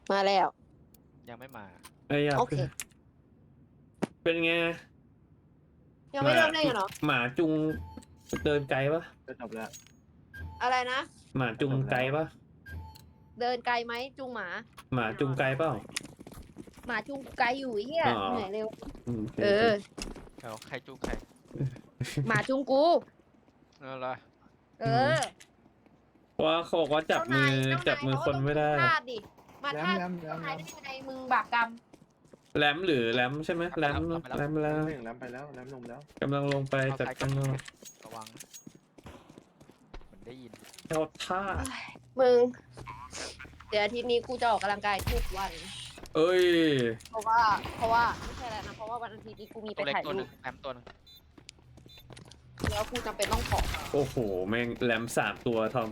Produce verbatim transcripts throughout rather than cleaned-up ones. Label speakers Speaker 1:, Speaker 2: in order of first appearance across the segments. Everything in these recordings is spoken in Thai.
Speaker 1: มาแล้ว
Speaker 2: ยังไม่มา
Speaker 3: ไอ้ยา
Speaker 1: โอเค
Speaker 3: เป็นไง
Speaker 1: ยังไม่เริ่มเล่นกันเหรอ
Speaker 3: หมาจุงเดินไกลปะ
Speaker 4: ก็จบแล้ว
Speaker 1: อะไรนะ
Speaker 3: หมาจุงไกลปะ
Speaker 1: เดินไกลไหมจูงหมา
Speaker 3: หมาจุงไกลเปล่า
Speaker 1: หมาจูงไกลอยู่ไอ้เฮีย
Speaker 3: อ๋อ
Speaker 1: เหนื่อยเร็ว
Speaker 3: อืม
Speaker 1: เออ
Speaker 2: เอาใครจูงใคร
Speaker 1: หมาจูงกู
Speaker 2: เอาละ
Speaker 1: เออ
Speaker 3: เพราะว่าเขาบอกว่าจับมือ
Speaker 1: เจ้านาย
Speaker 3: จับมือคนไม่ได้
Speaker 1: เจ้านายเขาก็ต้องพลาดดิมา
Speaker 4: แล้
Speaker 1: ท่า
Speaker 4: แล้ว
Speaker 1: เจ้า
Speaker 4: แล้ว
Speaker 1: นายได้ยังไงมึงบาปกรรม
Speaker 3: แรมหรือแรมใช่ไหมแรมแรมแล้ว
Speaker 4: หนึ่งแล้วไปแล้วแล้วลงแล้ว
Speaker 3: กำลังลงไปจากข้างนอก
Speaker 2: ระวังนะมันได้ยิน
Speaker 3: เอาท่า
Speaker 1: มึง เดี๋ยวอาทิตย์นี้กูจะออกกำลังกายทุกวัน
Speaker 3: เอ้ย
Speaker 1: เพราะว่า เพราะว่าไม่ใช่แล้วนะ เพราะว่าวันอาทิตย์นี้กูมีไป
Speaker 2: ตัวเล็ก
Speaker 1: ถ่าย
Speaker 2: ตัวห
Speaker 1: รู
Speaker 2: นึ
Speaker 1: ป
Speaker 2: งแอมตัวหนึง
Speaker 1: แล้วกูจำเป็นต้องขอ
Speaker 3: โอ้โหแม่งแรมสามตัวทอม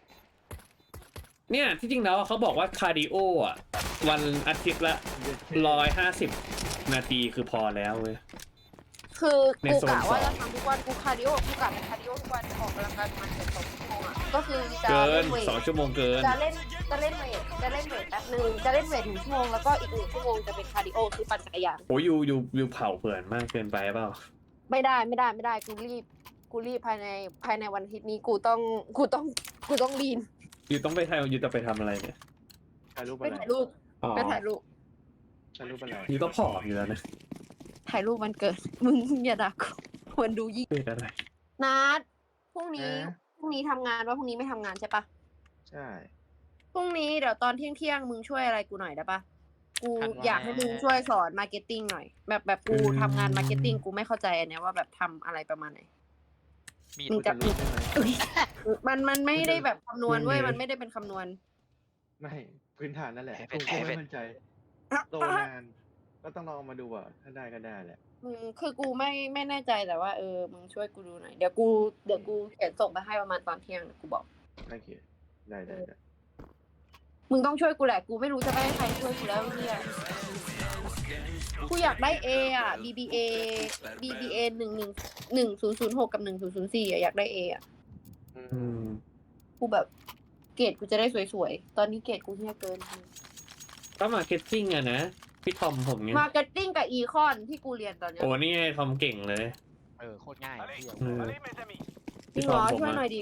Speaker 3: เนี่ยที่จริงแล้วเขาบอกว่าคาร์ดิโออ่ะวันอาทิตย์ละร้อยห้าสิบนาทีคือพอแล้วเว้ย
Speaker 1: คือ
Speaker 3: ใน
Speaker 1: กู
Speaker 3: โซน
Speaker 1: กะว่า
Speaker 3: สอง
Speaker 1: จะทำทุกวันกูคาร์ดิโอกูกะไปคาร์ดิโอทุกวันออกกำลังกายประมาณเกือบสองชั่วโมงอ่ะก็คือจะ
Speaker 3: เกิ
Speaker 1: เล่
Speaker 3: น
Speaker 1: นเวท
Speaker 3: สองชั่วโมงเกิน
Speaker 1: จะเล่นจะเล่นเวทจะเล่นเวทแป๊บนึงจะเล่นเวทหนึ่งชั่วโมงแล้วก็อีกหนึ่งชั่วโมงจะเป็นคาร์ดิโอคือปั่นจักรยาน
Speaker 3: โอ้ยยูยูยูเผาเผื่อนมากเกินไปเปล่า
Speaker 1: ไม่ได้ไม่ได้ไม่ได้กูรีบกูรีบภายในภายในวันอาทิตย์นี้กูต้องกูต้องกูต้องลีน
Speaker 3: ยูต้องไปทำยูจะไปทำอะไรเนี่ย
Speaker 4: ถ่ายรูป
Speaker 1: ไป
Speaker 4: อะไร
Speaker 1: ถ่ายรูป
Speaker 3: อ๋อ
Speaker 1: ไปถ่ายรูป
Speaker 4: ถ่ายรูปอะไร
Speaker 3: ยูก็ผอมอยู่แล้วนะ
Speaker 1: ถ่ายรูปวันเกิดมึงอย่าด่ากูควรดูยิ่ง
Speaker 3: เป็นอะไร
Speaker 1: นัดพรุ่งนี้พรุ่งนี้ทำงานว่าพรุ่งนี้ไม่ทำงานใช่ปะ
Speaker 4: ใช่
Speaker 1: พรุ่งนี้เดี๋ยวตอนเที่ยงเที่ยงๆมึงช่วยอะไรกูหน่อยได้ปะกูอยากให้มึงช่วยสอนมาร์เก็ตติ้งหน่อย แบบแบบกูทำงานมาร์เก็ตติ้งกูไม่เข้าใจอันเนี้ยว่าแบบทำอะไรประมาณไหน
Speaker 2: มีด
Speaker 1: มึงจะ
Speaker 4: รูปได้ไหม
Speaker 1: มันมันไม่ได้แบบคำนวณเว้ยมันไม่ได้เป็นคำนวณ
Speaker 4: ไม่พื้นฐานนั่นแหละกูก็ไม่มั่นใจโตนานก็ต้องลองมาดูอ่ะถ้าได้ก็ได้แหละ
Speaker 1: มึงคือกูไม่ไม่แน่ใจแต่ว่าเออมึงช่วยกูดูหน่อยเดี๋ยวกูเดี๋ยวกูเขียนส่งไปให้ประมาณตอนเที่ยงเดี๋ยวกูบอก
Speaker 4: โอเคได้ได้ได้
Speaker 1: มึงต้องช่วยกูแหละกูไม่รู้จะไปให้ใครช่วยกูแล้วเนี่ยกูอยากได้ A อ่ะ บี บี เอ บี บี เอ หนึ่งหนึ่งหนึ่งศูนย์ศูนย์หกกับหนึ่งศูนย์ศูนย์สี่อ่ะอยากได้ A อ่ะ
Speaker 4: อื
Speaker 3: อื
Speaker 4: ม
Speaker 3: ม
Speaker 1: กูแบบเกรดกูจะได้สวยๆตอนนี้เกรดกูเฮี้ยเกิน
Speaker 3: ก็มาร์เก็ตติ้งอะนะพี่ทอมผมไง
Speaker 1: มาร์เก็ตติ้งกับอีคอนที่กูเรียนตอนเนี้ย
Speaker 3: โอ้นี่ไงทอมเก่งเลย
Speaker 2: เออโคตรง่ายเที่ยว
Speaker 3: เออ
Speaker 1: จริงเหรอช่วยหน่อยดิ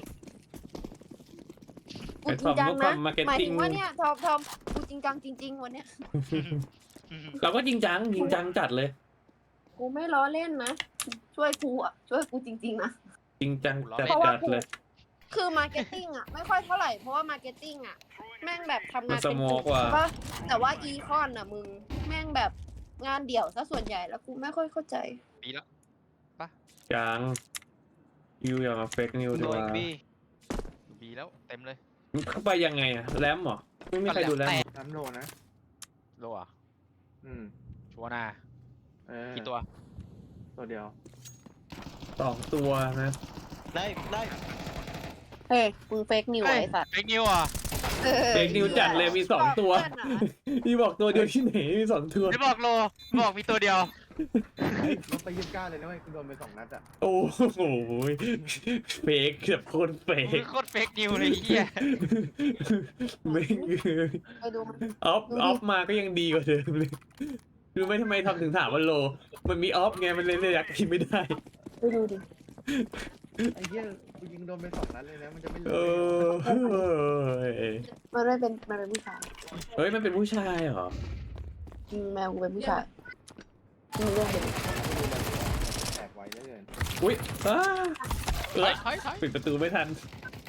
Speaker 1: กูจริงจังนะหมายถึงว่าเนี่ยทอมทอมกูจริงจังจริง ๆ วันเนี้ย
Speaker 3: เราก็จริงจังจริงจังจัดเลย
Speaker 1: กูไม่ล้อเล่นนะช่วยกูอ่ะช่วยกูจริง ๆนะ
Speaker 3: จริงจังจัด
Speaker 1: เพราะว่า
Speaker 3: จัด
Speaker 1: กู
Speaker 3: เลย
Speaker 1: คือมาร์เก็ตติ้งอ่ะไม่ค่อยเท่าไหร่เพราะว่ามาร์เก็ตติ้งอ่ะแม่งแบบทำงานเป็น
Speaker 3: มันสโมกว่ะ
Speaker 1: ใช่ปะแต่ว่าอีคอนอ่ะมึงแม่งแบบงานเดี่ยวซะส่วนใหญ่แล้วกูไม่ค่อยเข้าใจ
Speaker 2: ปีแล้ว
Speaker 3: ยังยูอย่ามาเฟกนิวดี
Speaker 2: โด
Speaker 3: ก
Speaker 2: ย
Speaker 3: ว่า
Speaker 2: บีบีแล้วเต็มเลย
Speaker 3: เข้าไปยังไงอะแรมเหรอไม่มีใครดูแรม
Speaker 4: น้ำโลนะ
Speaker 2: โลอ่ะ
Speaker 4: อืม
Speaker 2: ชัวร์นา
Speaker 4: เออ
Speaker 2: กี่ตัว
Speaker 4: ตัวเดียว
Speaker 3: สองตัวนะ
Speaker 2: ได้ได้
Speaker 1: เฮ้ยมึงเฟกนิวไอ้สัตว์
Speaker 2: เฟกนิวอ่ะ
Speaker 3: เฟกนิวจัดเลยมีสองตัว
Speaker 1: เพื่อนอะ
Speaker 3: พี่บอกตัวเดียวที่ไหนมีสองตัว
Speaker 2: ไม่บอกโลบอกมีตัวเดียว
Speaker 4: ลงไปยี่สิบเก้าเลยนะเว้ยกูโดนไปสองนัดอ่ะ
Speaker 3: โอ้โหเฟกแบบโคตรเฟ
Speaker 2: มึ
Speaker 3: ก
Speaker 2: งโคตรเฟกนิวเลยเฮีย
Speaker 3: ไม่คือ
Speaker 1: ไปดูมัน
Speaker 3: ออฟออฟมาก็ยังดีกว่าเดิมเลยรู้ไหมทำไมทำถึงถามว่าโล มันมีออฟไงมันเลยเลยอยากกินไม่ได้
Speaker 1: ไปดูดิ
Speaker 4: ไอ้เหี้ยกูยิงโดนไปสองนัดเลยนะมันจะไม่เหลื
Speaker 3: เอ
Speaker 4: อ
Speaker 3: อ
Speaker 1: มันไม่เป็นมันเป็นผู้ชาย
Speaker 3: เฮ้ยมันเป็นผู้ชายเหรอ
Speaker 1: อืมแมวกูเป็นผู้ชายมีเรื่องเดียว
Speaker 4: แตกไวเหลือเกิน
Speaker 3: อุ้ยอ้าเอ
Speaker 2: ถอ
Speaker 3: อย
Speaker 2: ถอยถอย
Speaker 3: ปิดประตูไม่ทัน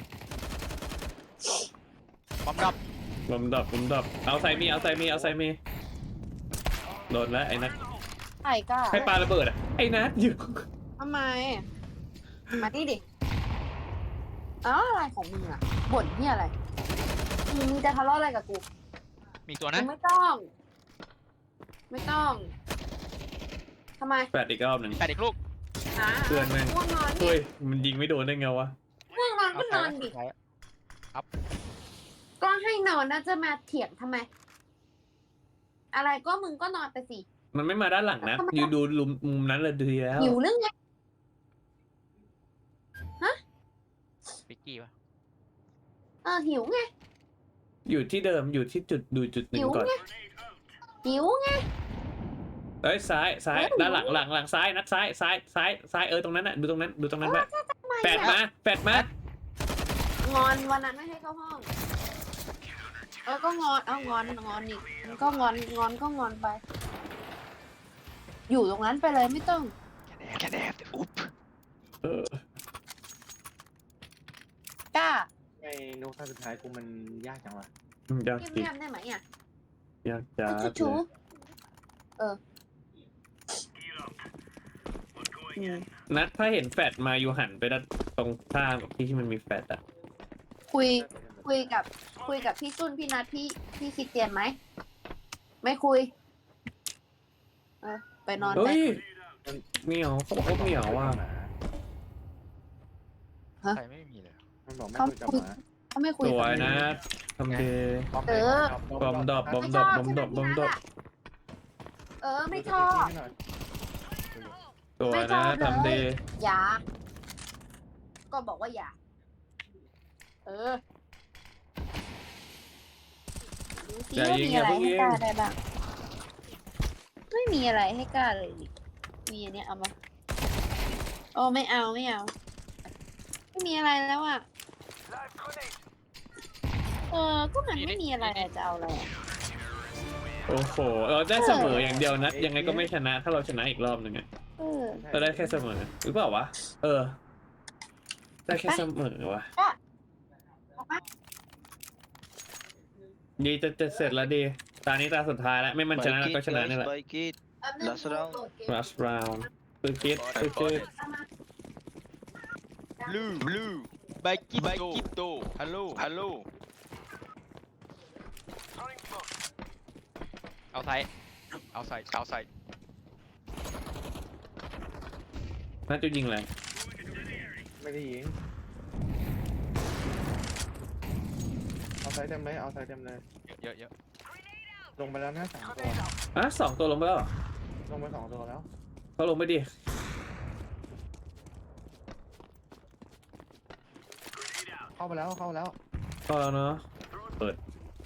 Speaker 2: บอมดับ
Speaker 3: ลมดับลมดับเอาไซมีเอาไซมีเอาไซมีโดนแล้วไอ้นัท
Speaker 1: ไอ้ก้า
Speaker 3: ให้ปาระเบิดอ่ะไอ้นัทอยู่
Speaker 1: ทำไม มาดิดิอ้าวอะไรของมึงอ่ะบ่นเหียอะไรมึงจะทะเลาะอะไรกับกู
Speaker 2: มีตัว
Speaker 1: มึ
Speaker 2: นะ
Speaker 1: งไม่ต้อง ไม่ต้องทำไม
Speaker 3: แปดอีกรอบหนึ่ง
Speaker 2: แปดอีกลูก
Speaker 1: อ่า
Speaker 3: เพื่อนแม่ง
Speaker 1: ง่วงนอน
Speaker 3: เฮ้
Speaker 1: ดิ
Speaker 3: ยมันยิงไม่โดนได้ไงวะ
Speaker 1: ง่วงนอนก็นอนดิ
Speaker 2: เอาไป
Speaker 1: ก็ให้นอนนะจะมาเถียงทำไม อะไรก็มึงก็นอนไปสิ
Speaker 3: มันไม่มาด้านหลังนะยืนดูมุมนั้นเลยดีแล้ว
Speaker 1: หิวเรื่องไง
Speaker 2: ปิกกี้ปะ
Speaker 1: เออหิวไง
Speaker 3: อยู่ที่เดิมอยู่ที่จุดดูจุดหนึ่
Speaker 1: หิ
Speaker 3: ง
Speaker 1: ว
Speaker 3: ก่อน
Speaker 1: ไงหิวไง
Speaker 3: เอ้ยซ้ายซ้าย
Speaker 1: เอ้ย
Speaker 3: ด้านหลังหลังหลังซ้ายนัดซ้ายซ้ายซ้ายซ้ายเออตรงนั้นน่ะดูตรงนั้นดูตรงนั้นไปแปดมาแปดมาง
Speaker 1: อนวันนั้นไม่ให้เข้าห้องเออก็งอนเอางอนงอนอีกก็งอนงอนก็งอนไป อยู่ตรงนั้นไปเลยไม่ต้อง
Speaker 2: แค่แอบอุ๊บ
Speaker 3: เออก
Speaker 1: ล้า
Speaker 4: ไอ้นุ๊กท่าสุดท้ายกูมันยากจังวะ
Speaker 3: ยาก
Speaker 1: เงียบ
Speaker 3: จริง
Speaker 1: เงียบได้ไหมอ่ะ
Speaker 3: ยากจัด
Speaker 1: ชูชู
Speaker 3: เลย
Speaker 1: เอออืม
Speaker 3: นัดถ้าเห็นแฟดมาอยู่หันไปด้านตรงข้ามกับที่ที่มันมีแฟดอะ
Speaker 1: คุย คุยกับ คุยกับพี่จุนพี่นัทพี่พี่คิดเตียนไหม ไม่คุย เออ ไปนอนไป
Speaker 3: เฮ้ยเหมียวเขาบอกว่าเหมียวว่ะ
Speaker 2: ใครไม่มีเลย
Speaker 4: มันบอกไม่
Speaker 1: เขา
Speaker 4: คุยกับ
Speaker 1: คุย
Speaker 4: หมา
Speaker 1: เขาไม่คุ
Speaker 3: ส
Speaker 1: ย
Speaker 3: วย
Speaker 1: กับ
Speaker 3: นะทำดี
Speaker 1: เออ
Speaker 3: บอมดรอปบอม
Speaker 1: ไม่
Speaker 3: ด
Speaker 1: ช
Speaker 3: รอ
Speaker 1: อ
Speaker 3: ป
Speaker 1: บบ
Speaker 3: อม
Speaker 1: ใช่
Speaker 3: ด
Speaker 1: ไห
Speaker 3: ร
Speaker 1: ม
Speaker 3: อปบ
Speaker 1: พี่
Speaker 3: อม
Speaker 1: นั
Speaker 3: ดรอป
Speaker 1: ทอ่ะเออ ไม่ชอบ
Speaker 3: สวย
Speaker 1: ไม่ช
Speaker 3: นะ
Speaker 1: อบเลย
Speaker 3: ทำดี
Speaker 1: อย่า ก็บอกว่าอย่า เออดูสิ
Speaker 3: อย่า
Speaker 1: ว่า
Speaker 3: ยิง
Speaker 1: มี
Speaker 3: อย่า
Speaker 1: อะไร
Speaker 3: เพิ่ง
Speaker 1: ให้
Speaker 3: ยิง
Speaker 1: กล้าได้บ้าง ไม่มีอะไรให้กล้าเลยนี่มีอันเนี้ยเอามาโอ้ไม่เอาไม่เอา ไม่มีอะไรแล้วอ่ะ เออ ก็มันไม่มีอะไรอะจะเอาอะไรอะ
Speaker 3: โอ้โหเราได้เสมออย่างเดียวนะยังไงก็ไม่ชนะ ถ้าเราชนะอีกรอบหนึ่งอะ
Speaker 1: เออ
Speaker 3: เราได้แค่เสมอหรือเปล่าวะเออ ได้แค่เสมอวะดีจะจะเสร็จแล้วดีตานี้ตาสุดท้ายแล้วไม่มันชนะเราก็ชนะนี่แหละ
Speaker 5: Spike it. Last round.
Speaker 3: last round คือคิดคือคิด
Speaker 2: blue blue ไบกิไบกิโตฮัลโหลฮัลโหลเอาไซเอาไซเอาไซ
Speaker 3: น่าจะยิงอะไร
Speaker 4: ไม่ได้ยิงเอาไซส์เต็มเลยเอาไซส์เต็มเลย
Speaker 2: เยอะเยอะ
Speaker 4: ลงไปแล้วนะสามตัว
Speaker 3: อ่ะสองตัวลงไปแล้วเหรอ
Speaker 4: ลงไปสองตัวแล้ว
Speaker 3: เขาลงไปดิ
Speaker 4: เข้าไปแล้วเข้าไปแล้ว
Speaker 3: ก็แล้วเนาะเปิด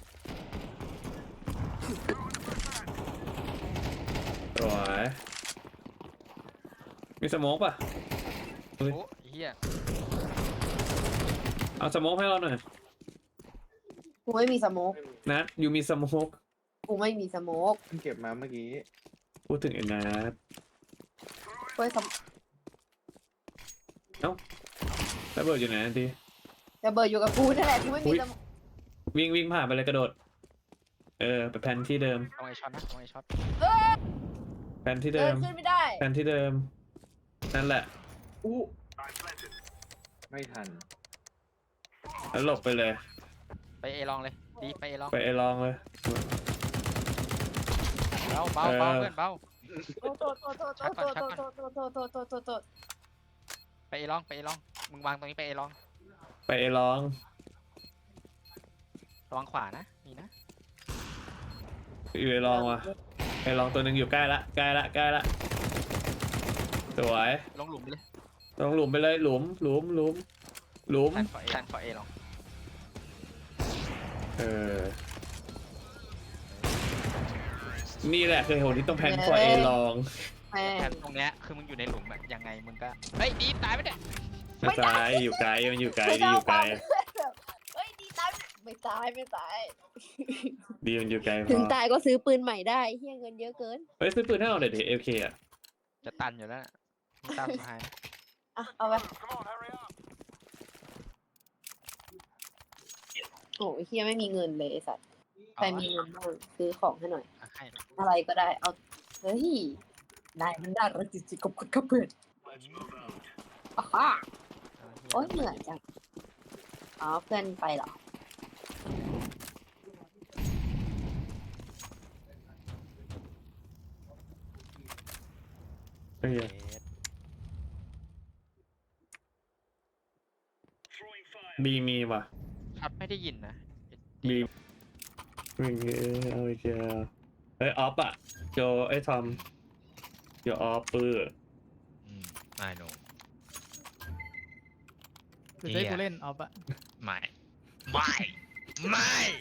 Speaker 3: สวยมีสโมกป่ะ
Speaker 2: โอ้เฮีย
Speaker 3: เอาสโมกให้เราหน่อย
Speaker 1: กูไม่มีสโมก
Speaker 3: นัดอยู่มีสโมก
Speaker 1: กูไม่มีสโมก
Speaker 4: เพิ่งเก็บมาเมื่อกี้
Speaker 3: พูดถึงไอ้นัด
Speaker 1: เว้ยสโมก
Speaker 3: ระเบิดอยู่ไหนที
Speaker 1: แต่เบอร์อยู่กับกูนั่นแหละกูไม่มีสโมก
Speaker 3: วิ่งวิ่งผ่านไปเลยกระโดด เออไปแผนที่เดิม
Speaker 2: เอาไอช็อตนะเอาไอช็อต
Speaker 3: แผนที่
Speaker 1: เดิ
Speaker 3: เดิ
Speaker 1: น
Speaker 3: ม
Speaker 1: ขึ้นไม่ได้
Speaker 3: แผนที่เดิม นั่นแหละ
Speaker 4: อู้ไม่ทัน
Speaker 3: แล้วหลบไปเลย
Speaker 2: ไปเอลองเลยดีไปเอลอง
Speaker 3: ไปไอ้ลองเลย
Speaker 2: เบาเบาเบาเพื่อนเบา
Speaker 1: โทษโทษโทษโทษโทษโทษโทษโทษโทษโทษโทษโทษโทษโทษ
Speaker 2: ไปเอลองไปเอลองมึงวางตรงนี้ไปเอลอง
Speaker 3: ไปไอ้ลอง
Speaker 2: ระวังขวานะนี่นะ
Speaker 3: อยู่ไอ้ลองว่ะไอ้ลองตัวหนึ่งอยู่ใกล้ละใกล้ละใกล้ละสวย
Speaker 2: ลงหลุมไปเลย
Speaker 3: ลงหลุมไปเลยหลุมหลุมหลุมหลุม
Speaker 2: แทนฟอเอแทนฟอเอลอง
Speaker 3: เออ นี่แหละคือเหตุผลที่ต้องแพนฟอร์เอลอง
Speaker 1: แม่
Speaker 2: แทนตรงเนี้ยคือมึงอยู่ในหลุมอะยังไงมึงก็เฮ้ยดีตายไปเนี่ย
Speaker 3: ไม่ตายอยู่ไกลมันอยู่ไกล
Speaker 1: ไม่
Speaker 3: ดี
Speaker 1: ได้
Speaker 3: อยู่ไกล
Speaker 1: เฮ้ยดีตายไม่ตายไม่ตาย
Speaker 3: ดีมันอยู่ไกลพ
Speaker 1: ถึง
Speaker 3: อ
Speaker 1: ตายก็ซื้อปืนใหม่ได้เฮียเงินเยอะเกิน
Speaker 3: เฮ้ยซื้อปืนให้เราเดี๋ยวเอฟเคอะ
Speaker 2: จะตันอยู่แล้วน่ะมึงตามสหาย
Speaker 1: อ่ะเอาไปโอ้ยเฮียไม่มีเงินเลยไอ้สัตว์ใครมีเงินบ้างซื้อของให้หน่อย
Speaker 2: เอาให้
Speaker 1: อะไรก็ได้ เอา เฮ้ย นายมันน่ารักจริงๆกับคุณกับเพื่อนอ่าฮะ
Speaker 2: เอาให้
Speaker 1: โอ๊ยเหนื่อยจัง อ๋อ เพื่อนไปเหรอ
Speaker 3: เฮ้ย
Speaker 2: เอ๊ะ
Speaker 3: บีมีว่ะ
Speaker 2: ช็อตไม่ได้ยินนะ
Speaker 3: บีวิ่งเออเอาอีกแล้วเฮ้ยออฟอะโจไอ้ทอมโจออฟปื้อ
Speaker 5: Mm, I know.
Speaker 6: คือจะให้กูเล่นเอาปะ
Speaker 5: ไม่ไม่ไม่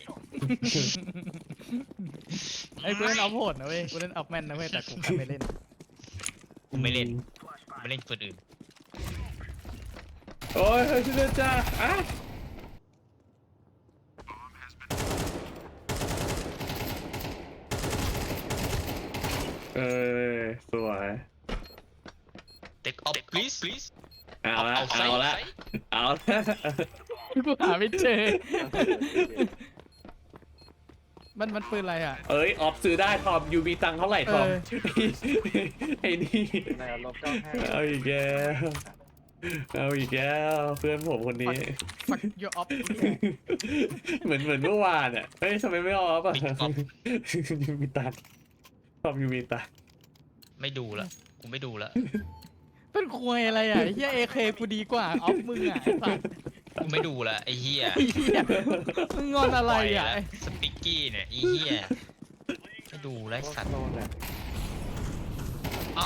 Speaker 6: ไอ้กูเล่นออฟโหดนะเว้ยกูเล่นออฟแมนนะเว้ยแต่กูแค่ไม่เล่น
Speaker 5: กูไม่เล่นไม่เล่นคนอื่น
Speaker 3: โอ้ยเฮ้ยช่วยด้วยจ้าอ่ะเออสวย
Speaker 5: take off please please
Speaker 3: เอาละ
Speaker 5: เอา
Speaker 3: เอาละ
Speaker 5: ใส่
Speaker 3: เอาละ
Speaker 6: กูหาไม่เจอ มันมันปืนอะไรอ่ะ
Speaker 3: เอ้ยออฟซื้อได้ทอมยูมีตังค์เท่าไหร่ทอม
Speaker 6: เออ
Speaker 3: ไอ้นี่
Speaker 4: ในลบเก้าห้า
Speaker 3: เอาอีกแล้วเอาอีกแล้วเพื่อนผมคนนี้
Speaker 6: ฟักยูออฟ
Speaker 3: เหมือนเหมือนเมื่อวานอ่ะเฮ้ยทำไมไม่ออฟอ่ะ
Speaker 5: Big off
Speaker 3: ยูมีตังค์ทอมยูมีตังค์
Speaker 5: ไม่ดูละกูไม่ดูละ
Speaker 6: เป็นควยอะไรอ่ะไอ้เฮียเอเคกูดีกว่าออฟมึงอ่ะไอ้สัส
Speaker 5: กูไม่ดูละไอ้เหี้ย
Speaker 6: ไอ้เฮียมึงงอนอะไรอ่ะ
Speaker 5: สปิกกี้เนี่ยไอ้เหี้ยไม่ดูไรสัตว์
Speaker 4: โลนแหละ
Speaker 5: อ๋อ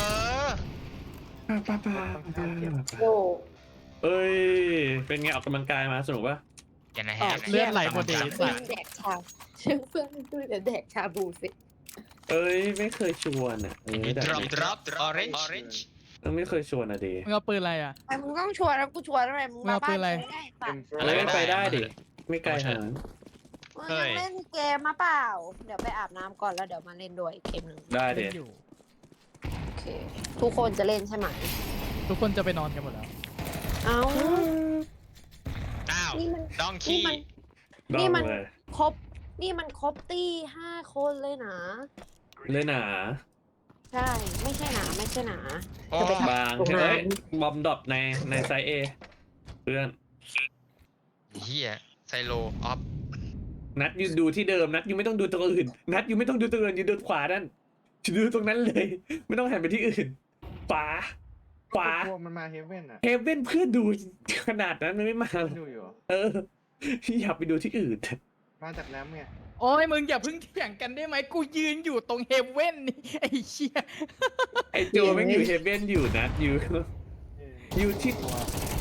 Speaker 3: ป้าป้า
Speaker 1: โอ้
Speaker 3: เอ้ยเป็นไงออกกำลังกายมาสนุกปะ
Speaker 5: อย่านะ
Speaker 6: อ
Speaker 5: ฮะ
Speaker 6: อกเลือดไหลหมดเลย
Speaker 1: เพื่อนแดกชาเชื่อเพื่อนดูเดี๋ยวแดกชาบูสิ
Speaker 3: เอ้ยไม่เคยชวนอ่ะเออ
Speaker 5: นี่
Speaker 3: แต่
Speaker 5: drop drop orange orange
Speaker 3: ไม่เคยชวนอ่ะดี
Speaker 6: มึงเอาปืนอะไรอ่ะ
Speaker 1: ไอ้มึงต้องชวนแล้วกูชวนอะไรมึงมาบ้านกูได้ปะ
Speaker 3: อะไรไม่ไปได้ดิไม่ไกลขนาดนั้น
Speaker 1: มึงยังเล่นเกมมาเปล่า เดี๋ยวไปอาบน้ำก่อนแล้วเดี๋ยวมาเล่นด้วยเกมหนึ่ง
Speaker 3: ได้ดิ
Speaker 6: เล่นอยู่
Speaker 1: โอเค ทุกคนจะเล่นใช่ไหม
Speaker 6: ทุกคนจะไปนอนกันหมดแล้ว
Speaker 1: เอ้า
Speaker 5: อ้าว
Speaker 1: นี่มัน
Speaker 5: ดอง
Speaker 1: นี่
Speaker 5: คี
Speaker 1: มัน
Speaker 3: ด
Speaker 1: นี่
Speaker 3: อง
Speaker 1: มัน
Speaker 3: เลย
Speaker 1: ครบ นี่มันครบตี้ห้าคนเลยนะ
Speaker 3: เลยหนา
Speaker 1: ใช่ ไม่ใช่หนาไม่ใช่หนา
Speaker 5: โอ้
Speaker 1: จะไปทำ
Speaker 3: บาง
Speaker 1: ตรงนั้น
Speaker 3: เฮ้ยบอมดรอปในในไซส์เอเพื่อน
Speaker 5: เหี้ยไซโลออฟ
Speaker 3: นัดยูดูที่เดิมนัดยูไม่ต้องดูตรงอื่น นัดยูไม่ต้องดูตรงอื่นยูดูขวานั่นดูตรงนั้นเลย ไม่ต้องหันไปที่อื่นขวาขวา
Speaker 4: พวกมันมาเฮเว่นอ่ะ
Speaker 3: เฮเว่นเพื่อนดูขนาดนั้นมันไม่มาหรอก
Speaker 4: ดูอยู่เหรอ
Speaker 3: เอออยากไปดูที่อื่น
Speaker 4: มาจากแรมไง
Speaker 6: โอ้ยมึงอย่าเพิ่งเถียงกันได้ไหมกูยืนอยู่ตรงเฮเว่นนี่ไอ้เชี่ย
Speaker 3: ไอโจแม่งอยู่เฮเว่นอยู่นัดยู
Speaker 4: เออ
Speaker 3: อยู่ที่
Speaker 4: ตัว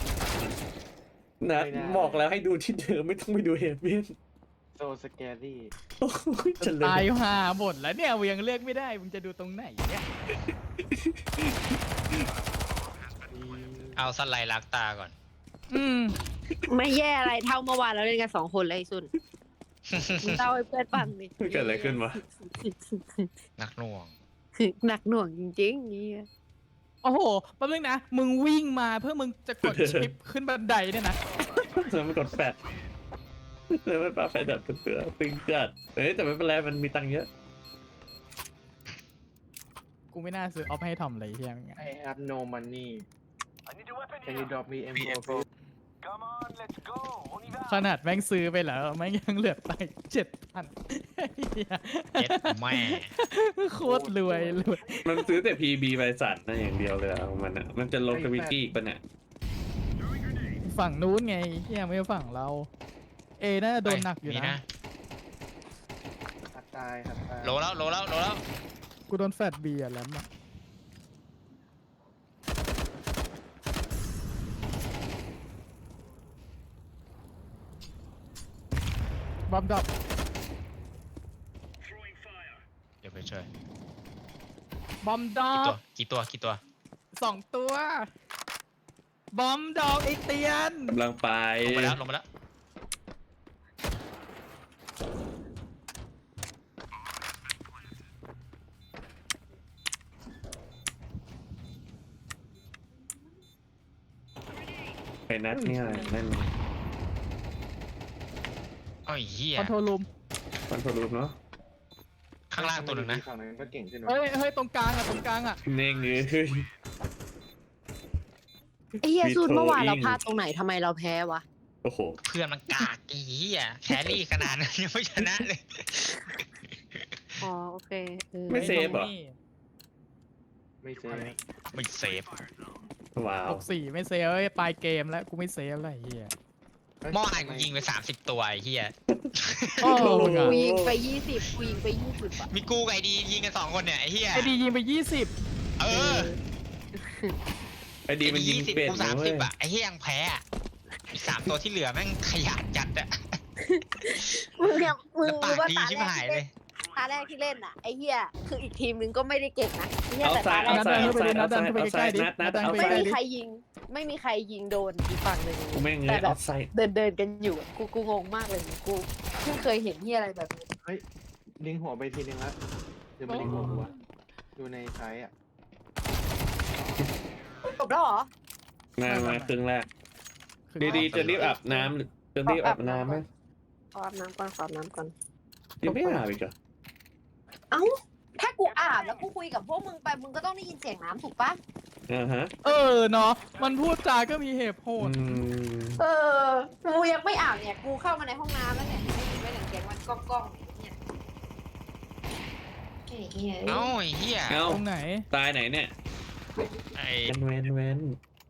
Speaker 3: นัด
Speaker 4: ไม่ได้
Speaker 3: บอกแล้วให้ดูที่เดิมไม่ต้องไปดูเฮเว่น
Speaker 4: โซสแกรี่
Speaker 3: โอ้ยเฉล
Speaker 6: ตาย
Speaker 3: ย
Speaker 6: หาหมดแล้วเนี่ยมึงยังเลือกไม่ได้มึงจะดูตรงไหนเนี่ย
Speaker 5: เอาสไลด์ลักตาก่อน
Speaker 6: อืม
Speaker 1: ไม่แย่อะไรเท่าเมื่อวานเราเล่นกันสองคนเลยไอ้สุนมึงเล่าให้เพื่อนฟังดิ
Speaker 3: เกิดอะไรขึ้นวะ
Speaker 5: นักหน่วง
Speaker 1: หนักหน่วงจริงๆนี่
Speaker 6: โอ้โหแป๊บนึงนะมึงวิ่งมาเพื่อมึงจะกดชิปขึ้นบันไดเนี่ยนะ
Speaker 3: แล้วมันกดแฟดแล้วมันปาแฟดแบบเตือตึงจัดเฮ้ยแต่ไม่เป็นไรมันมีตังค์เยอะ
Speaker 6: กูไม่น่าซื้อออฟให้ทำอะไรเฮียมึง
Speaker 4: I have no money Can you drop me M four please
Speaker 6: ขนาดแม่งซื้อไปแล้วแม่งยังเหลือตังค์เจ็ดพัน
Speaker 5: เจ็ดแม่
Speaker 6: โคตรรวยรวย
Speaker 3: มันซื้อแต่ พี บี ใบสั่นนั่นอย่างเดียวเลยอะของมันอ่ะมันจะลงทวิตตี้อีกปะเนี่ย
Speaker 6: ฝั่งนู้นไงเฮียไม่ใช่ฝั่งเรา เอน่าจะโดนหนักอยู่
Speaker 5: มี
Speaker 6: นะ
Speaker 4: หัดตายหัดตาย
Speaker 5: โลแล้วโลแล้วโลแล้ว
Speaker 6: กูโดนแฟดเบียร์แล้วอะบอมดรอป
Speaker 5: เดี๋ยวไปช่วย
Speaker 6: บอมดรอ
Speaker 5: กี่ตัว
Speaker 6: ป
Speaker 5: กี่ตัวกี่ตัว
Speaker 6: สองตัว บอมดอกไอเตียน
Speaker 3: กำลังไป
Speaker 5: ลงมาแล้วลงมาแล้ว
Speaker 3: ไปนัดเนี่ยนั่น
Speaker 5: อ้อยเหี้ย
Speaker 6: คอนโทรลรูม
Speaker 3: มันโทรรูปเนาะ
Speaker 5: ข้างล่างตัวหนึ่งนะ
Speaker 4: ฝั่งนั้นก็เก่งขึ้นวะ
Speaker 6: เฮ้ยเฮ้ยตรงกลางอะตรงกลางอะ
Speaker 3: เน่งเอ้ย
Speaker 1: ไอ้เหี้ย
Speaker 3: มี
Speaker 1: สุนเมื่อวาน
Speaker 3: โทรอิง
Speaker 1: เราพลาดตรงไหนทำไมเราแพ้วะ
Speaker 3: โอ้โห
Speaker 5: เพื่อนมันกากไอ้เหี้ยแครี่ขนาดนั้นยังไม่ชนะเลย
Speaker 1: อ๋อโอเคเออ
Speaker 3: ไม่เซฟเหรอ
Speaker 4: ไม่เซฟ
Speaker 5: ไม่เซฟ
Speaker 3: ว้า
Speaker 6: ห
Speaker 3: ว
Speaker 6: กสี่ไม่เซฟเอ้ยปลายเกมแล้วกูไม่เซฟอะไรเฮีย
Speaker 5: เมื่อวานกูยิงไปสามสิบตัวไอ้เหี้ย
Speaker 6: โอ้มึง
Speaker 1: กู
Speaker 6: อะ
Speaker 1: ยิงไปยี่สิบกูยิงไปยี่สิบอะ
Speaker 5: มีกูกับไอ้ดียิงกันสองคนเนี่ยไอ้เหี้ย
Speaker 6: ไอดียิงไปยี่สิบ
Speaker 5: เออ
Speaker 3: ไอ้ดีมันยิง
Speaker 5: สิบ
Speaker 3: เป็ด
Speaker 5: กู
Speaker 3: นะ
Speaker 5: สาม
Speaker 3: เว้
Speaker 5: สิ
Speaker 3: ย
Speaker 5: บอะไอ้เหี้ยยังแพ้อะอีกสามตัวที่เหลือแม่งขยันจัดอะ
Speaker 1: มึงเนี่ยมึง
Speaker 5: แล้วปาก
Speaker 1: รู้ว่า
Speaker 5: ดี
Speaker 1: ตา
Speaker 5: ชิบ
Speaker 1: แรก
Speaker 5: หาย
Speaker 1: ที่
Speaker 5: เล
Speaker 1: เล่
Speaker 5: ย
Speaker 1: นตาแรกที่เล่นอ่ะไอ้เหี้ยคืออีกทีมนึงก็ไม่ได้เก่งนะไอ้เหี้ย
Speaker 3: เอา
Speaker 1: แต่
Speaker 3: ซ้า
Speaker 1: ตาย แร
Speaker 3: เอา
Speaker 1: ก
Speaker 3: ซ้าย
Speaker 6: นั
Speaker 3: เอา
Speaker 6: ดเดิ
Speaker 3: ซ้าน ย
Speaker 6: ไป
Speaker 3: เอา
Speaker 6: ดิ
Speaker 3: ซ้าย
Speaker 6: นัดเดิน
Speaker 3: เอา
Speaker 6: ไป
Speaker 3: ซ้าย
Speaker 6: ใกล้ๆดิ
Speaker 3: นัดนัด
Speaker 6: นัดเดิน
Speaker 3: เอา
Speaker 6: ไป
Speaker 1: ไม่
Speaker 3: ซ้าย
Speaker 6: ใกล้
Speaker 1: มีใครยิง ไม่มีใครยิงโดนอีกฝั่งหนึ่ง
Speaker 3: กูแม่ง
Speaker 1: แต่
Speaker 3: เงี้ย
Speaker 1: แบ
Speaker 3: เอา
Speaker 1: บ
Speaker 3: ซ้าย
Speaker 1: เดินเดินกันอยู่กูกูงงมากเลยกูเพิ่งเคยเห็นที่อะไรแบบนี้
Speaker 4: เฮ้ยลิงหัวไปทีนึงแล้วเดี๋ยวมาลิงหัวกูอะดูในไซต์อ่ะ
Speaker 1: จบแล้วเหรอ
Speaker 3: มามาครึ่งแรก
Speaker 6: คือ
Speaker 3: ดีๆจะรีบอาบน้ำจะรีบอาบน้ำไหม
Speaker 1: ขออาบน้ำก่อนขออาบน้ำก่อน
Speaker 3: ยังไม่อาบอีกเหรอ
Speaker 1: เอ้าถ้ากูอาบแล้วกูคุยกับพวกมึงไปมึงก็ต้องได้ยินเสียงน้ำถูกปะ
Speaker 3: อ่าฮะ
Speaker 6: เออเนาะมันพูดจาก็มีเหตุผ
Speaker 3: อื
Speaker 6: ล
Speaker 3: ม
Speaker 1: เออกูยังไม่อาบเนี่ยกูเข้ามาในห้องน้ำแล้วเนี่ยได้ยินไหมเสียงมันก้องก้องๆเนี่ยไอ้เหี้ย
Speaker 5: เอ้าไอ้เหี้ย
Speaker 3: เอ้า
Speaker 6: ตรงไหน
Speaker 3: ตายไหนเนี่ย
Speaker 5: ไอ้
Speaker 3: เว้นเว้นเว้น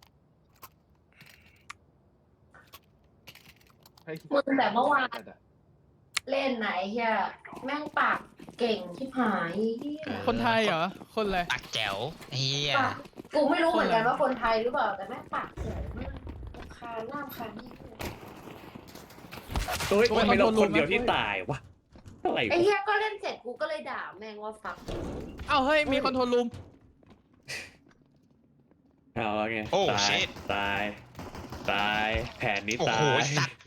Speaker 4: เฮ้ย
Speaker 1: มึงแต่เมื่อวานเล่นไหนเฮียแม่งปากเก่งที่หายเหี้ย
Speaker 6: คนไทยเหรอ คนอะไร
Speaker 5: ปากแจ๋วไอ้เหี้ย
Speaker 1: ปากกูไม่รู้เหมือนกันว่าคนไทยหรือเปล่าแต่แม่งปากเจ๋งมากคาหน้าคานี่
Speaker 3: เฮ้ยทำไมเราคนเดียวที่ตายวะอะไร
Speaker 1: ไอ้
Speaker 3: วะ
Speaker 1: เฮียก็เล่นเสร็จกูก็เลยด่าแม่งว่าฟัก
Speaker 6: เอ้าเฮ้ยมีคอนโทรลรูม
Speaker 3: เอาแล้วไง
Speaker 5: โอ้
Speaker 3: ตาย
Speaker 5: ชิต
Speaker 3: ตายตายแผนนี้
Speaker 5: โอ้
Speaker 3: ตา
Speaker 5: โห
Speaker 3: ย
Speaker 5: สัตว์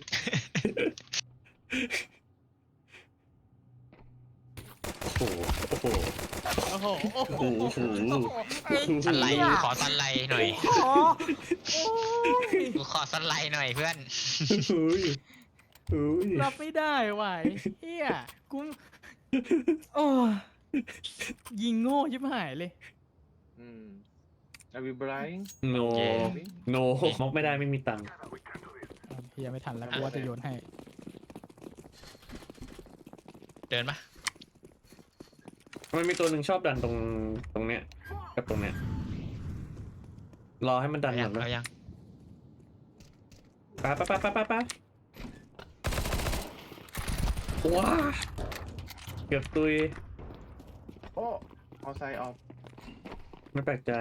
Speaker 3: โอ้โหโอ้โห
Speaker 6: โอ้โหโอ้โห
Speaker 3: โอ้โห
Speaker 6: ไอ้
Speaker 5: สไลด์
Speaker 6: เหี้ย
Speaker 5: ขอสไลด์หน่อย
Speaker 6: โอ้โหโอ้ย
Speaker 5: กูขอสไลด์หน่อยเพื่อน
Speaker 3: อุ้ยอุ้ย
Speaker 6: รับไม่ได้ว่ะไอ้เฮียกูโอ้ยยิงโง่ชิบหายเลย
Speaker 4: อืมอาวิบราย
Speaker 3: โน
Speaker 5: เย้
Speaker 3: โนมอกไม่ได้ไม่มีตังค์
Speaker 6: เฮียไม่ทันแล้วกูว่าจะโยนให้
Speaker 5: เดินปะ
Speaker 3: มันมีตัวหนึ่งชอบดันตรงตรงเนี้ยกับตรงเนี้ยรอให้มันดัน
Speaker 5: เอา
Speaker 3: ก่
Speaker 5: ยั
Speaker 3: อง นนะ
Speaker 5: เอายัง
Speaker 3: ไปไปไปไปไปไปว้าเกือบตุย
Speaker 4: โอ้เอาไซด์ออฟ
Speaker 3: ไม่แปลกใจ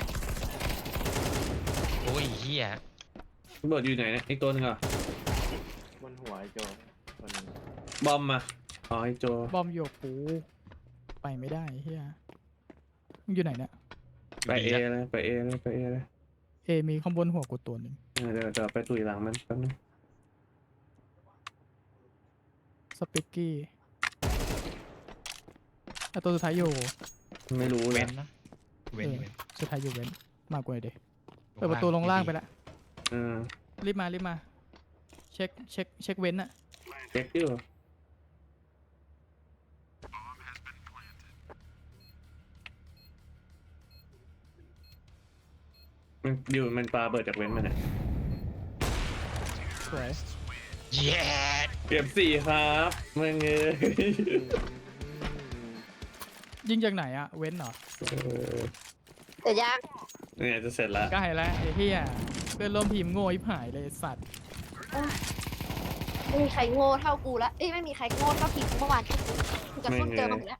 Speaker 5: โอ้ยเหี้ย
Speaker 3: ระเบิดอยู่ไหนเนี่ยอีกตัวหนึ่งเหรอ่ะ
Speaker 4: บนหัวไอ้โจคนนึง
Speaker 3: บอมมาอ๋อไอโจ
Speaker 6: บอมโยกกูไปไม่ได้เฮียมึงอยู่ไหนเนี่ย
Speaker 3: ไปเอเลยไปเอเลยไปเอเลย
Speaker 6: เอมีข้างบนหัวกูตัวหนึ่ง
Speaker 3: เออเดี๋ยวเดี๋ยวไปตุยหลังมันแป๊บนึง
Speaker 6: สปิกกี้แต่ตัวสุดท้ายอยู่
Speaker 3: ไม่รู้เล
Speaker 5: เว้
Speaker 3: ย
Speaker 5: นนะเว้น
Speaker 6: เออ
Speaker 5: เว้น
Speaker 6: สุดท้ายอยู่เว้นมากกว่าเด็เปิดประตูลงล่างไปแล้ว
Speaker 3: เออ
Speaker 6: รีบมารีบมา เช็คเช็คเช็คเว้นอะ
Speaker 3: เช็คอยู่มันอยู่มันปลาเบิดจากเว้นมันเนี่ย
Speaker 6: สวย
Speaker 5: เย้
Speaker 3: เก็บสี่ครับมึงเอ้ย
Speaker 6: ยิงจากไหนอะเว้นเหรอ
Speaker 3: เออ
Speaker 1: แต่ยาก
Speaker 3: เนี่ยจะเสร็จแล้ว
Speaker 6: ใกล้แล้วไอ้เหี้ยเพื่อนร่วมทีมโง่ยิบหายเลยไอ้สัตว์
Speaker 1: ไม่มีใครโง่เท่ากูละเอ้ยไม่มีใครโง่เท่าทีมเมื่อวานที่กูกูกับส้นเจอมาหมดแล้ว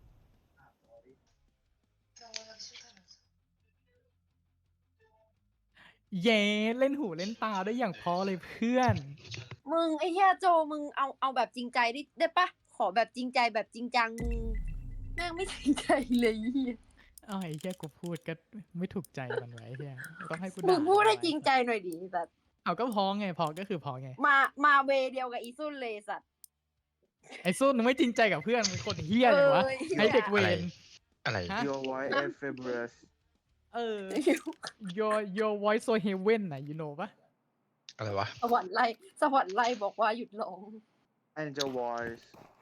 Speaker 6: เย้เล่นหูเล่นตาได้อย่างพอเลยเพื่อน
Speaker 1: มึงไอ้เหี้ยโจมึงเอาเอาแบบจริงใจได้ได้ปะขอแบบจริงใจแบบจริงจังมึงแม่งไม่จริงใจเลยไอ้เหี้ย
Speaker 6: เอาไอ้เหี้ยกูพูดก็ไม่ถูกใจมันไว้เหี้ยต้องให้กู
Speaker 1: มึ
Speaker 6: ด่าง
Speaker 1: พูดให้จริงใจหน่อยดิสัตว์
Speaker 6: เอาก็พอไงพอก็คือพอไง
Speaker 1: มามาเวเดียวกับอีซุนเลยสัตว์
Speaker 6: ไอ้สู้มึงไม่จริงใจกับเพื่อนมึงคนเหี้ยเลยวะ
Speaker 1: เอ้ย
Speaker 6: ไอ้เด็กเว
Speaker 5: อะไร
Speaker 6: ร
Speaker 5: อะไร
Speaker 6: ฮะ
Speaker 4: Your wife and fabulous
Speaker 6: เออ your your voice so heaven นะ you know ปะ
Speaker 5: อะไรวะ
Speaker 1: สวรรค์ไล่สวรรค์ไล่บอกว่าหยุดร้อง
Speaker 4: and your voice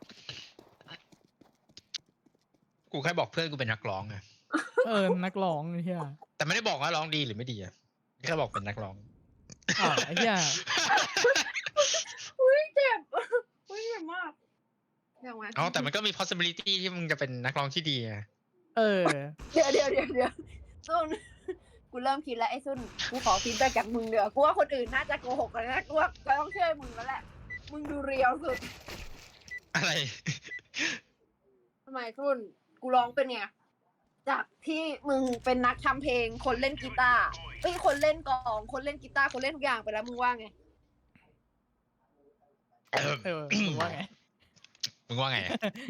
Speaker 5: กูแค่บอกเพื่อนกูเป็นนักร้องไง
Speaker 6: เออนักร้องไอ้เหี้ย
Speaker 5: แต่ไม่ได้บอกว่าร้องดีหรือไม่ดีอะแค่บอกเป็นนักร้อง
Speaker 6: อ้าวไอ้เหี้ย
Speaker 1: อุ้ยเจ็บอุ้ยเจ็บมากอย่างวะ
Speaker 5: เอาแต่มันก็มี possibility ที่มึงจะเป็นนักร้องที่ดีไง
Speaker 6: เออ
Speaker 1: เดี๋ยวเดี๋ยวเดี๋ยวเดี๋ยวซุนกูเริ่มคิดแล้วไอ้ซุนกูขอฟีดแบ็กจากมึงเดี๋ยวกูว่าคนอื่นน่าจะโกหกกันนะกูว่ากูต้องเชื่อมึงแล้วแหละมึงดูเรียวสุด
Speaker 5: อะไร
Speaker 1: ทำไมซุนกูร้องเป็นไงจากที่มึงเป็นนักทำเพลงคนเล่นกีตาร์เอ้ยคนเล่นกลองคนเล่นกีตาร์คนเล่นทุกอย่างไปแล้วมึงว่าไง
Speaker 5: กเออ
Speaker 6: เออมึงว่าไง
Speaker 5: มึงว่าไงอะ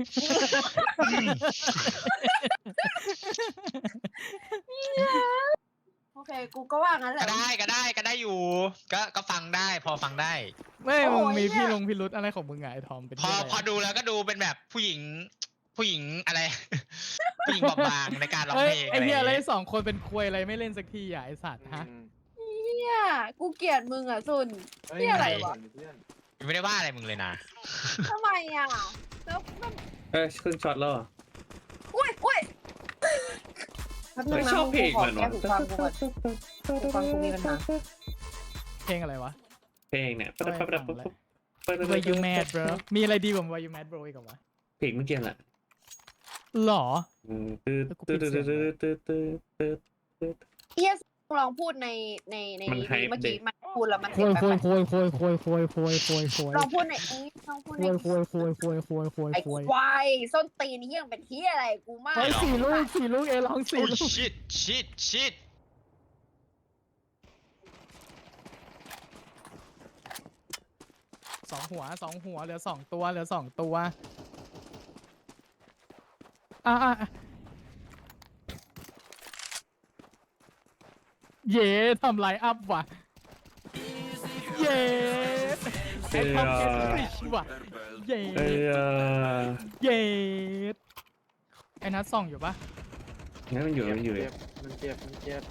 Speaker 1: โอเค กูก็ว่างั้นแห
Speaker 5: ก็
Speaker 1: ละ
Speaker 5: ได้ก็ได้ก็ได้อยู่ ก็ก็ฟังได้พอฟังได้
Speaker 6: ไม่
Speaker 1: โอ้
Speaker 6: มึง
Speaker 1: ย
Speaker 6: มี
Speaker 1: เนี่ย
Speaker 6: พี่ลงพิรุธอะไรของมึงไงไอ้ทอมเป็น
Speaker 5: พอ
Speaker 6: เหี้ยอะไร
Speaker 5: พอดูแล้วก็ดูเป็นแบบผู้หญิง ผู้หญิงอะไร ผู้หญิงบอบบางในการร้อง
Speaker 6: เฮ้
Speaker 5: เพ
Speaker 6: ย
Speaker 5: ลง
Speaker 6: ไอ้
Speaker 5: อะไรอ
Speaker 6: เหี้ย
Speaker 5: ย่าง
Speaker 6: อะไร
Speaker 5: เงี้ย
Speaker 6: สองคนเป็นควยอะไรไม่เล่นสักทีอ่ะไอ้สัตว์ฮะ
Speaker 4: อืม
Speaker 1: เนี่ยกูเกลียดมึงอ่ะซุน
Speaker 4: เฮ้ย
Speaker 1: นี่อะไรวะ
Speaker 4: เพื่อน
Speaker 5: ไม่ได้ว่าอะไรมึงเลยนะ
Speaker 1: ทำไมอ่ะ แล้วมัน
Speaker 3: เอ้ยขึ้นช็อตแล้วเหรอ
Speaker 1: อุ้ยอุ้ยแป๊บนึ
Speaker 3: เฮ้
Speaker 1: ง
Speaker 3: ย
Speaker 1: นะ
Speaker 3: ชอบเพลง
Speaker 1: ขอ
Speaker 3: มัน
Speaker 1: แก้
Speaker 3: วะ
Speaker 1: หูฟังกูก่อนหูฟังกูมีปัญหา
Speaker 6: เพลงอะไรวะ
Speaker 3: เพลงเนี่ยปั๊บปั๊บปั๊บปั๊บปั๊บ
Speaker 6: Why you mad bro มีอะไรดีกว่า Why you mad bro อีกเหรอวะ
Speaker 3: เพลงเมื่อกี้แหละ
Speaker 6: หรอ
Speaker 3: อืมตืดตืดตืดตืดตืดตืดตืดตืด
Speaker 1: เอียสลองพูดในในใน
Speaker 3: มัน
Speaker 1: นี้
Speaker 3: ไฮ
Speaker 1: เมื่อ
Speaker 3: เด็
Speaker 1: กี้
Speaker 3: ก
Speaker 1: มันพูดแล้วมัน
Speaker 6: โค
Speaker 1: เสียง
Speaker 6: ย
Speaker 1: แป
Speaker 6: โค
Speaker 1: ล
Speaker 6: ย
Speaker 1: ก
Speaker 6: โคยโคยโคยโคยโคยโคยโคย
Speaker 1: ๆลองพูดในเอ้ยลองพูด
Speaker 6: โค
Speaker 1: ใน
Speaker 6: ยโคยโคยโคยโคยโคย
Speaker 1: ไอ้
Speaker 6: โคย
Speaker 1: ควายส้นตีนนี่ยังเป็นเที่ยอะไรกูมาก
Speaker 6: เฮ้ยสี่ลูกสี่ลูกเอลองสี่
Speaker 5: โอ้
Speaker 6: ลูก
Speaker 5: ชิตชิตชิต
Speaker 6: สองหัวสองหัวเหลือสองตัวเหลือสองตัวอ่ะอ่ะอ่ะเย่ทำไลน์อัพว่ะเย่ไอ้ทำเกมฟริชว่ะเย่
Speaker 3: เอ้ยอ่ะ
Speaker 6: เย่ไอ้นัทส่องอยู่ปะ
Speaker 3: งั้นมันอยู่มันอยู่
Speaker 4: เจ็บมันเจ็บมันเจ็บ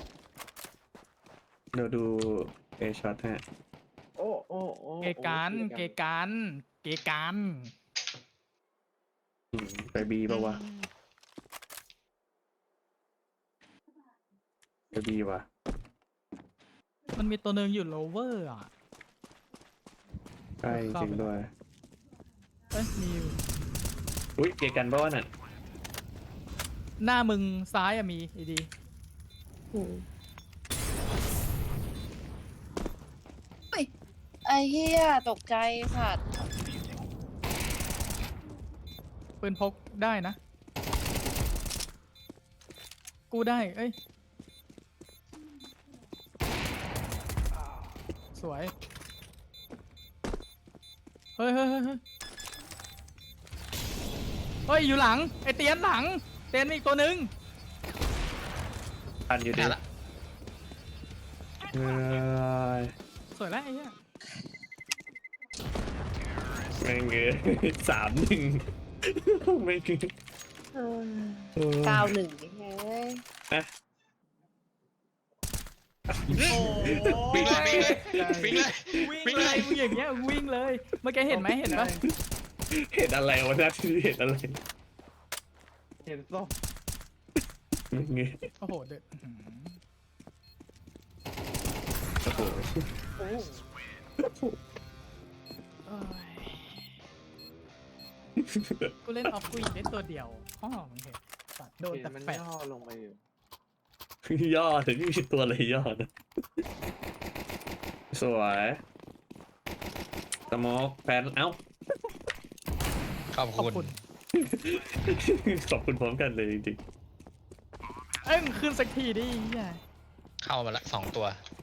Speaker 3: เดี๋ยวดูเอช็อตฮะ
Speaker 4: โอ้โอ้โอ้
Speaker 6: เกกันเกกันเกกัน
Speaker 3: อืมไปบีป่าวะไปบีวะ
Speaker 6: มันมีตัวหนึ่งอยู่โลเวอร์อ่ะ
Speaker 3: ใกล้จริงด้วย
Speaker 6: เอ้ยมีอยู่
Speaker 3: อุ้ยเกกันป่าวะน่ะ
Speaker 6: หน้ามึงซ้ายอะมีไอดี
Speaker 1: ไอ้เหี้ยตกใจสัตว์
Speaker 6: ปืนพกได้นะ กูได้ เอ้ย สวย เฮ้ยเฮ้ยเฮ้ยเฮ้ยเฮ้ย อยู่หลัง ไอเตียนหลัง เตียนมีอีกตัวหนึ่ง
Speaker 3: ทันอยู่ดิ
Speaker 5: ได้ละ
Speaker 3: เอ้ย
Speaker 6: สวยแล้วไอ้เหี้ย
Speaker 3: แม่งเอ้ยสามหนึ่งแม่งคือเออ
Speaker 1: เก้าหนึ่งเฮ้ย
Speaker 3: อ่ะ
Speaker 5: วิ่งเลยวิ่งเลยวิ่งเลย
Speaker 6: วิ่งเลยมึงอย่างเงี้ยวิ่งเลย เมื่อกี้เห็นไหมเห็นปะ
Speaker 3: เห็นอะไรวะนะที่เห็นอะไร
Speaker 4: เห็นส้ม
Speaker 3: แม่งเอ้ย
Speaker 6: โอ้โหเดือดอื้อหือ
Speaker 3: โอ้โห
Speaker 1: โอ้
Speaker 6: โอ้ยกูเล่นออฟกูอีกเล่นตัวเดียวอ๋อมึงเห็นสัตว์โดน
Speaker 4: เห็น
Speaker 6: แต่
Speaker 4: มัน
Speaker 6: แฟด
Speaker 4: ย่อลงไปอยู่
Speaker 3: ย่อแต่นี่มีตัวอะไรย่อนะสวยสโมกแฟนเอ้า
Speaker 5: ขอบ
Speaker 6: ขอบ
Speaker 5: คุณ
Speaker 6: คุณ
Speaker 3: ขอบคุณพร้อมกันเลยจริง
Speaker 6: เอ้ยมึงขึ้นสักทีดิเหี้ย
Speaker 5: เข้ามาละสองตัว
Speaker 3: ๆ